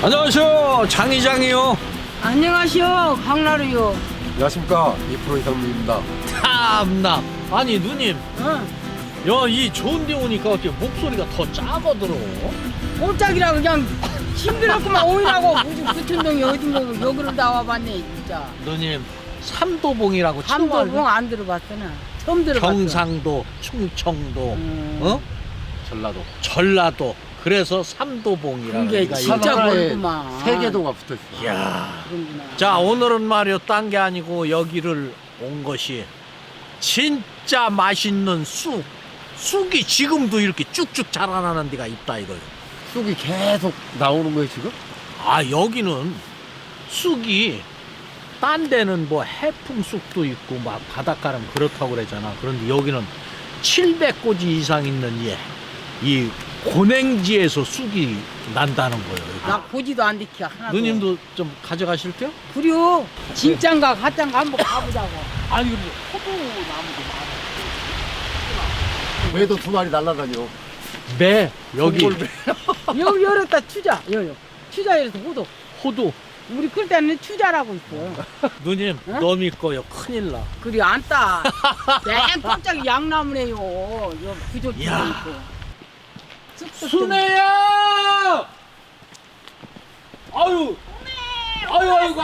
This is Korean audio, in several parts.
안녕하세요, 장 이장이요. 안녕하시오, 강나루요. 안녕하십니까, 이프로 이상민입니다. 참나. 아니 누님, 응. 야, 이 좋은데 오니까 어떻게 목소리가 더 작아들어? 꼼짝이라 그냥 힘들었구만 오이라고 무슨 부천동이 어딘가 여기로 나와봤네 진짜. 누님, 삼도봉이라고 삼도봉 안 들어봤어 나. 처음 들어봤어. 경상도, 충청도, 어? 전라도. 전라도. 그래서 삼도봉이라고. 그게 우리가 진짜 이거- 멀구만. 세 개도가 붙어 있어. 이야. 그런구나. 자, 오늘은 말이요, 딴 게 아니고 여기를 온 것이 진짜 맛있는 쑥. 쑥이 지금도 이렇게 쭉쭉 자라나는 데가 있다 이거요. 쑥이 계속 나오는 거예요, 지금? 아, 여기는 쑥이 딴 데는 뭐 해풍쑥도 있고 막 바닷가는 그렇다고 그러잖아. 그런데 여기는 700고지 이상 있는 이 고냉지에서 쑥이 난다는 거예요. 나 보지도 안 되켜 하나도. 누님도 좀 가져가실 때요? 그래요. 진짠가 가짠가 한번 가보자고. 아니, 근데 호두나무도 왜도 두 마리 날라다녀. 매 여기 송골매. 여기 열었다 추자. 여기 추자 열어서 호도. 호두. 우리 끌 때는 추자라고 있어. 누님, 어? 너 믿고요, 큰일 나. 그리 안 따. 맨 깜짝이 양나무네요. 요 부족도 야. 있고. 쑥쑥 순애야! 아유, 아이고.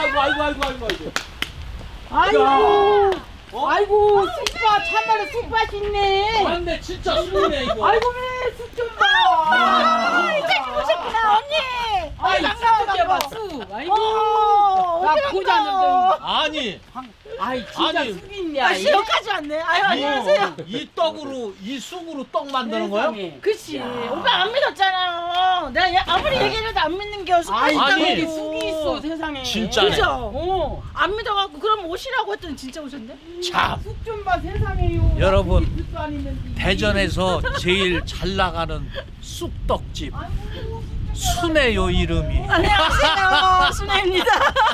아이고. 어? 아이고 쑥밭 참말로 쑥밭 있네. 맞네, 진짜 순이네 이거. 아이고 쑥좀 봐. 이장님 오셨구나 언니. 아이 쑥 봐 쑥. 아이고. 나 보자는데. 아니, 아이 진짜 아니. 쑥이 있네. 아, 여기까지 왔네. 아유 안녕하세요. 이 떡으로, 이 쑥으로 떡 만드는 거야? 그치. 오빠 안 믿었잖아요. 내가 아무리 얘기해도 안 믿는 게 쑥밭 아이 아니. 저기 있다고. 쑥이 있어 세상에. 진짜네. 그죠? 어. 안 믿어갖고 그럼 오시라고 했더니 진짜 오셨네. 참, 쑥 좀 봐 세상에요. 여러분, 쑥이 뜻도 안 있는데. 대전에서 제일 잘 나가는 쑥떡집 순애요 이름이. 안녕하세요. 순혜입니다.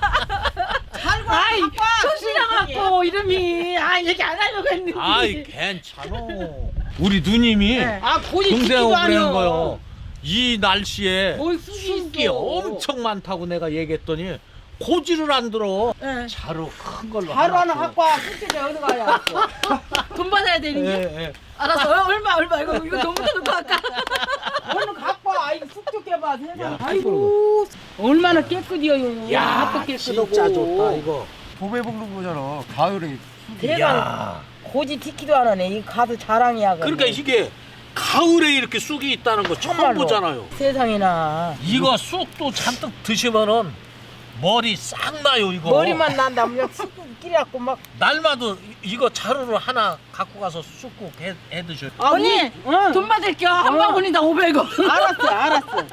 아이 조시라갖고 이름이 얘기 안 하려고 했는데. 아이, 괜찮아. 우리 누님이 네. 아 고지 동생 듣기도 오그라는 아니여. 거요. 이 날씨에 뭘 쑥이 쑥이 있어. 엄청 많다고 내가 얘기했더니 고지를 안 들어. 네. 자루 큰 걸로 바로 하나 줘. 갖고 와. 쑥집에 어디 가야. 돈 받아야 되는 게. 예, 예. 알았어. 얼마 이거 너무 드는 거 할까? 얼른 갖고 와. 아이고 쑥 봐 세상에. 야, 아이고 얼마나 깨끗이요. 야, 아빠 깨끗하고. 진짜 좋다 이거. 봄에 먹는 거잖아. 가을에. 대박. 야, 고지 티키도 안 하네. 이 가도 자랑이야. 그러니까 이게 가을에 이렇게 쑥이 있다는 거 처음 정말로. 보잖아요. 세상에나. 이거 쑥도 잔뜩 드시면은 머리 싹 나요 이거. 머리만 난다. 그냥 쑥 끼려갖고 막. 날마다 이거 자루를 하나 갖고 가서 쑥국 해 드셔요. 아, 언니, 응. 돈 받을게요. 한 바구니당 500원. 알았어.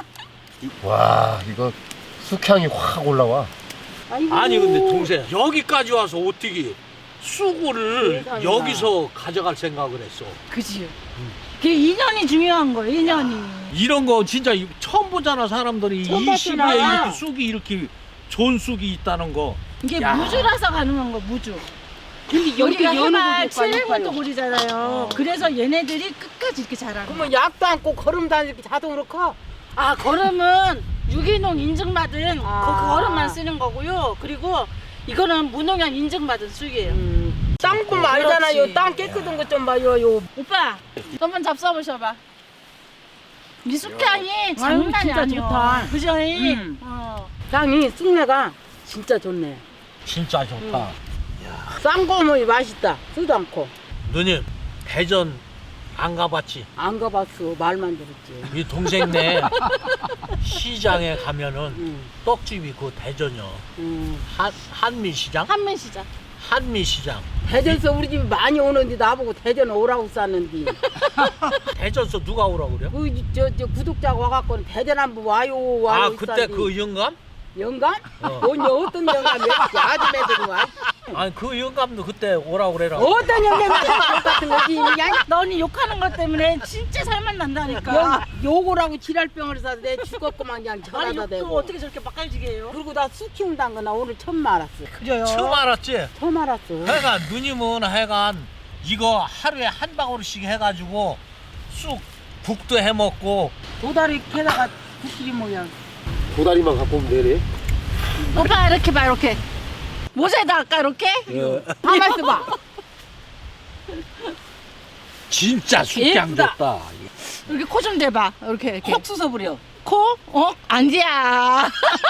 와, 이거 쑥향이 확 올라와. 아이고. 아니 근데 동생 여기까지 와서 어떻게 쑥을 세상에나. 여기서 가져갈 생각을 했어. 그지요. 그 인연이 중요한 거예요. 인연이. 이런 거 진짜 처음 보잖아 사람들이. 처음 이 시기에 봤구나. 이렇게 쑥이 이렇게 좋은 쑥이 있다는 거. 이게 야. 무주라서 가능한 거 무주. 근데 여기가 여는 해발 곳도 아니고 700원도 고리잖아요. 그래서 얘네들이 끝까지 이렇게 자라는 거예요. 그러면 약도 않고 걸음도 안 이렇게 자동으로 커. 아, 걸음은 유기농 인증받은 아. 그 걸음만 쓰는 거고요. 그리고 이거는 무농약 인증받은 쑥이에요. 땅 보면 그렇지. 알잖아요. 땅 깨끗한 것 좀 봐요. 요. 오빠, 한번 잡숴보셔봐. 이 쑥향이 장난이 진짜 아니야. 좋다. 그죠? 음. 어. 땅이 쑥내가 진짜 좋네. 진짜 좋다. 싼 거면 맛있다. 쓰도 않고. 누님 대전 안 가봤지? 안 가봤어. 말만 들었지. 이 동생네 시장에 가면은 응. 떡집이 그 대전이요. 응. 한미시장? 한민시장. 한미시장. 대전에서 우리 집에 많이 오는데 나보고 대전 오라고 쌌는데. 대전서 누가 오라고 그래요? 저 구독자가 와갖고는 대전 한번 와요. 아, 와요 그때 있었는데. 그 영감? 영감? 어. 언니 어떤 영감이었지? 아줌매들이 와. 아니 그 영감도 그때 오라고 그래라. 어떤 영감이 같은 거지? 그냥 너 언니 욕하는 것 때문에 진짜 살만 난다니까. 욕을 하고 지랄병을 사서 내 죽었구만 그냥 아니 전화다 욕도 대고. 어떻게 저렇게 막갈지게 해요? 그리고 나 쑥 키운다는 거 나 오늘 처음 알았어. 그래요. 처음 알았지? 처음 알았어. 하여간 누님은 하여간 이거 하루에 한 방울씩 해가지고 쑥 국도 해먹고 도다리 캐다가 국끼리 모양. 도다리만 갖고 오면 되네. 오빠 이렇게 봐 이렇게. 모자에다 할까 이렇게? 가만 있어봐. 진짜 숙향 예쁘다. 좋다. 이렇게 코 좀 대봐. 이렇게. 콕 쑤서버려. 코? 안지야.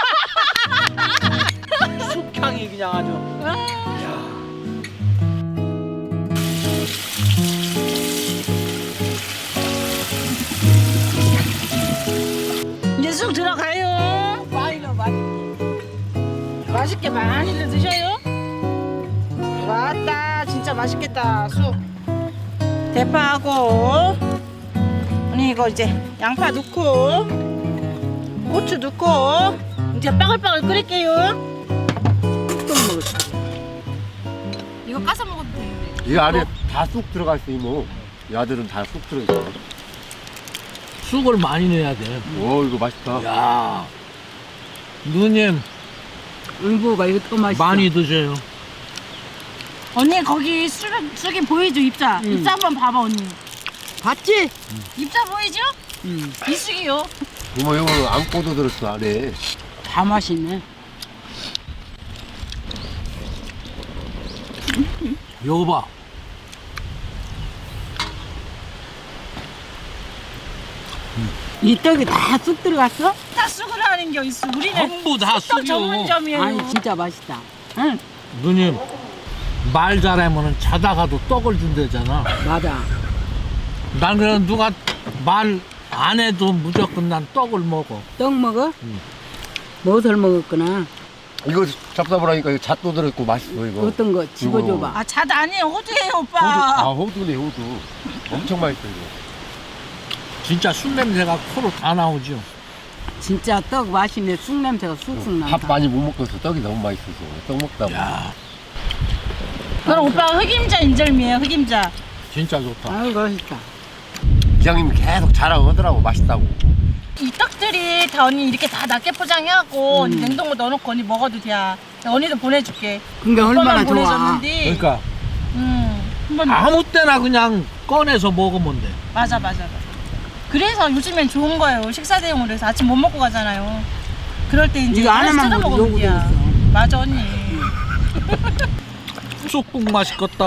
숙향이 그냥 아주. 야. 이제 쑥 들어가요. 많이 넣어, 많이. 맛있게 많이들 드셔요. 왔다 진짜 맛있겠다 쑥. 대파하고 언니 이거 이제 양파 넣고 고추 넣고 이제 빠글빠글 끓일게요. 이거 까서 먹어도 되는데. 이 안에 다 쑥 들어가 있어 이모. 이 아들은 다 쑥 들어 있어. 쑥을 많이 넣어야 돼. 오 이거 맛있다. 야. 누님 응보가 이거 더 맛있어. 많이 드세요. 언니 거기 쑥이 보이죠 입자? 입자 한번 봐봐 언니. 봤지? 입자 보이죠? 응. 이 쑥이요. 이모 이거는 안고도 들었어 안에. 다 맛있네. 요거 봐. 이 떡이 다 쑥 들어갔어? 다 쑥으로 하는 게 있어. 우리는 전부 다 쑥떡 쑥이요. 전문점이에요. 아니 진짜 맛있다. 응. 누님 말 잘하면은 자다가도 떡을 준대잖아. 맞아. 난 그냥 누가 말 안 해도 무조건 난 떡을 먹어. 떡 먹어? 응. 무엇을 먹었구나. 이거 잡숴보라니까 이거 잣도 들어있고 맛있어 이거. 어떤 거 집어줘봐. 아, 잣 아니에요. 호두예요, 호두, 오빠. 아 호두네 호두. 엄청 맛있어 이거. 진짜 술 냄새가 코로 다 나오죠. 진짜 떡 맛있네. 쑥 냄새가 쑥쑥 난다. 밥 많이 못 먹어서 떡이 너무 맛있어서 떡 먹다 보면. 야, 그럼 오빠 흑임자 인절미예요, 흑임자. 진짜 좋다. 아유 맛있다. 기장님이 계속 자랑을 하더라고 맛있다고. 이 떡들이 다 언니 이렇게 다 낱개 포장해갖고 언니 냉동고 넣어놓고 언니 먹어도 돼. 언니도 보내줄게. 그러니까 얼마나 오빠만 좋아. 보내줬는데. 그러니까 한번 아무 때나 그냥 꺼내서 먹으면 돼. 맞아. 그래서 요즘엔 좋은 거예요. 식사 대용으로 해서 아침 못 먹고 가잖아요. 그럴 때 이제 이거 하나씩 하나만 뜯어 먹어도 먹으면 돼. 요거 되겠어. 맞아 언니. 쑥국 맛있겠다.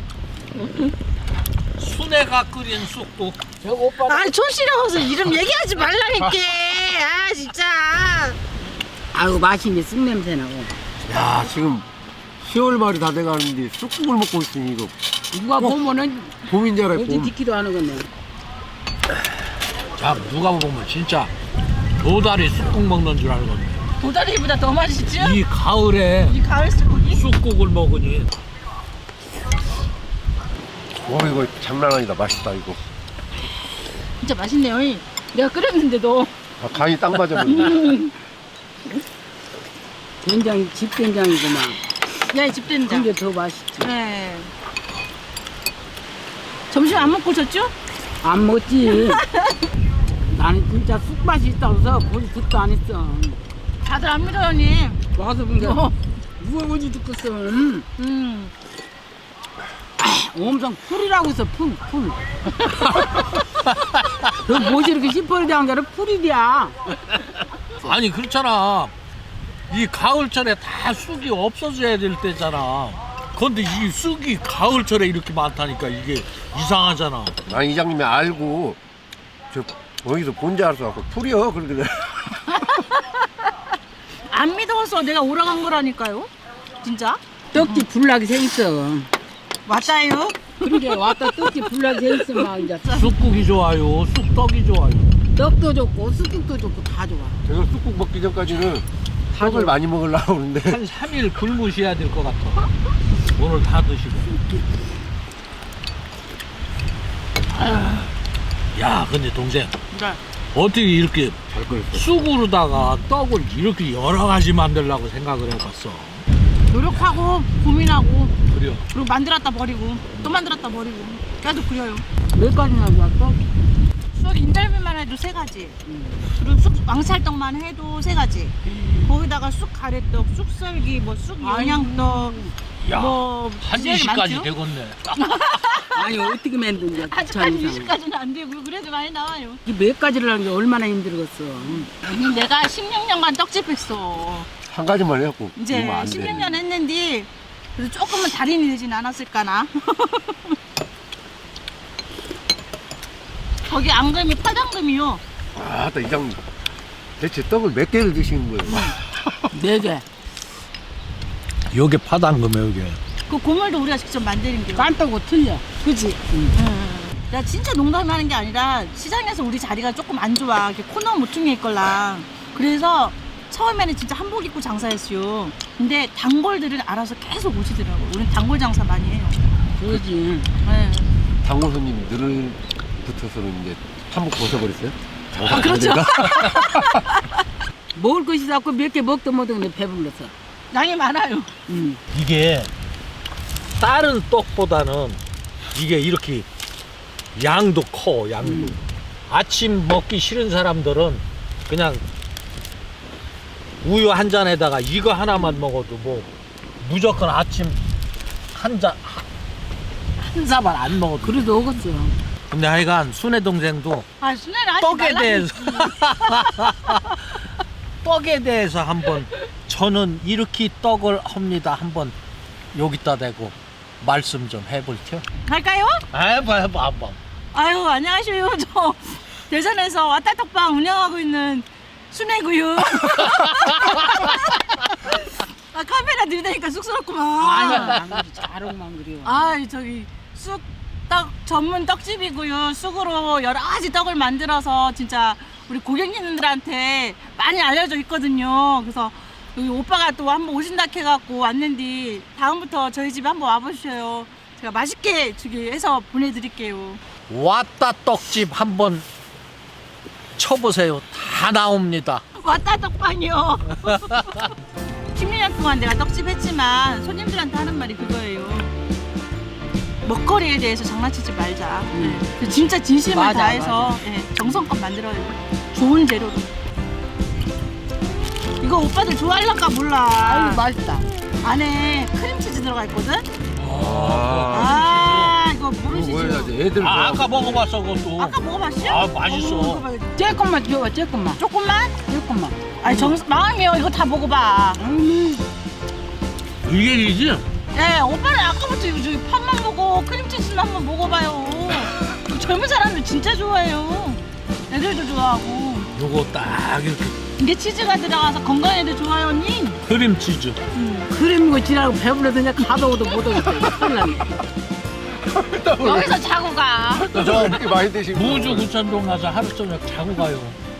순애가 끓인 쑥국. 저거 오빠 아니 촌씨라고서 이름 얘기하지 말라니까. 아 진짜. 아유 맛있네. 쑥 냄새 나고. 야 지금 10월 말이 다 돼가는데 쑥국을 먹고 있으니 이거 누가 보면은 봄인 줄 알아요 어디 봄. 디키도 안 하겠네. 자, 누가 보면 진짜 도다리 쑥국 먹는 줄 알거든. 도다리보다 더 맛있지? 이 가을에 이 가을 쑥국이? 쑥국을 먹으니 와 이거 장난 아니다 맛있다 이거. 진짜 맛있네요. 내가 끓였는데도. 아, 간이 딱 맞아버린다. 된장이 집 된장이구만. 야, 이 집된장. 근데 더 맛있지. 네. 점심 안 먹고 오셨죠? 안 먹지. 나는 진짜 쑥 맛이 있다고 해서 거기 듣도 안 했어. 다들 안 믿어요, 언니. 와서 본게 어. 누가 어디 듣겠어. 엄청 풀이라고 해서 풀. 너 뭐지 이렇게 시퍼리 대한 게 아니라 풀이야. 아니 그렇잖아. 이 가을철에 다 쑥이 없어져야 될 때잖아. 근데 이 쑥이 가을철에 이렇게 많다니까 이게 이상하잖아. 난 이장님이 알고 저 어디서 본 줄 알았어. 풀이요 그러더래. 안 믿어서 내가 오라간 거라니까요. 진짜? 떡지 불나게 생겼어. 맞아요. 그러게 왔다 떡지 불나게 생겼어 막 이제. 쑥국이 좋아요. 쑥떡이 좋아요. 떡도 좋고 쑥국도 좋고 다 좋아. 제가 쑥국 먹기 전까지는 떡을 많이 먹으려고 그러는데 한 3일 굶으셔야 될 것 같아. 오늘 다 드시고. 야, 근데 동생 네. 어떻게 이렇게 잘 끓였어. 쑥으로다가 떡을 이렇게 여러 가지 만들려고 생각을 해봤어. 노력하고 고민하고 그래요. 그리고 만들었다 버리고 또 만들었다 버리고 계속 그려요. 몇 가지나 좋아 떡. 쑥 인절미만 해도 해도 3가지. 그리고 왕찰떡만 해도 3가지. 거기다가 쑥 가래떡, 쑥썰기, 뭐 쑥 영양떡, 야, 뭐 한 되게 20까지 많죠? 되겠네. 아니 어떻게 만드냐 아직까지 20까지는 안 되고 그래도 많이 나와요. 이몇 가지를 하는 게 얼마나 힘들겠어. 아니, 내가 16년간 떡집 했어. 한 가지만 해갖고 이제 이러면 안 16년 되네. 했는데 그래도 조금은 달인이 되진 않았을까나. 거기 앙금이 파당금이요. 아따 이장 대체 떡을 몇 개를 드시는 거예요? 4개. 여기 파당금에 여기. 그 고물도 우리가 직접 만드는 게. 깐떡고 틀려. 그치? 나 진짜 농담하는 게 아니라 시장에서 우리 자리가 조금 안 좋아. 이렇게 코너 모퉁이에 있걸랑. 그래서 처음에는 진짜 한복 입고 장사했어요. 근데 단골들은 알아서 계속 오시더라고. 우린 단골 장사 많이 해요. 그러지. 네. 단골 손님 늘 붙어서는 이제 한복 벗어버렸어요? 아, 그렇죠. 먹을 것이 자꾸 몇 개 먹도 못하고 내 배불러서. 양이 많아요. 이게 다른 떡보다는 이게 이렇게 양도 커, 양도. 아침 먹기 싫은 사람들은 그냥 우유 한 잔에다가 이거 하나만 먹어도 뭐 무조건 아침 한 사발 안 먹어도. 그래도 먹었어. 근데 하여간 순애 동생도 아, 순애를 하지 떡에 말라니까. 대해서 떡에 대해서 한번 저는 이렇게 떡을 합니다 한번 여기다 대고 말씀 좀 해볼게요. 갈까요? 해봐 한번. 아유, 안녕하세요. 저 대전에서 왔다떡방 운영하고 있는 순애고요. 아, 카메라 들이대니까 쑥스럽구만. 자롱만 그려. 아, 저기 쑥떡 전문 떡집이고요. 쑥으로 여러 가지 떡을 만들어서 진짜 우리 고객님들한테 많이 알려져 있거든요. 그래서 여기 오빠가 또 한번 오신다 해갖고 왔는데 다음부터 저희 집에 한번 와보셔요. 제가 맛있게 저기 해서 보내드릴게요. 왔다 떡집 한번 쳐보세요. 다 나옵니다. 왔다 떡방이요. 16년 동안 내가 떡집 했지만 손님들한테 하는 말이 그거예요. 먹거리에 대해서 장난치지 말자. 네. 진짜 진심을 맞아, 다해서 예, 정성껏 만들어요. 좋은 재료로. 이거 오빠들 좋아할란가 몰라. 아유 맛있다. 안에 크림치즈 들어가 있거든? 아, 이거 그거 모르시죠? 뭐해야지 애들 아, 아까 좋아하고. 먹어봤어 그것도. 아까 먹어봤어요? 아, 맛있어. 조금만 줘봐 조금만. 조금만? 조금만. 아니 마음이요. 이거 다 먹어봐. 이게 이지? 네, 오빠는 아까부터 이거 저기 팥만 보고 크림치즈는 한번 먹어봐요. 젊은 사람들 진짜 좋아해요. 애들도 좋아하고. 요거 딱 이렇게 이게 치즈가 들어가서 건강에도 좋아요, 언니. 크림치즈. 그림이고 지라고 배불러서 그냥 가도 오도 못 오겠다. 큰일 났네. 여기서 자고 가. 저 이렇게 많이 드시고 무주 구천동 가서 하루 저녁 자고 가요.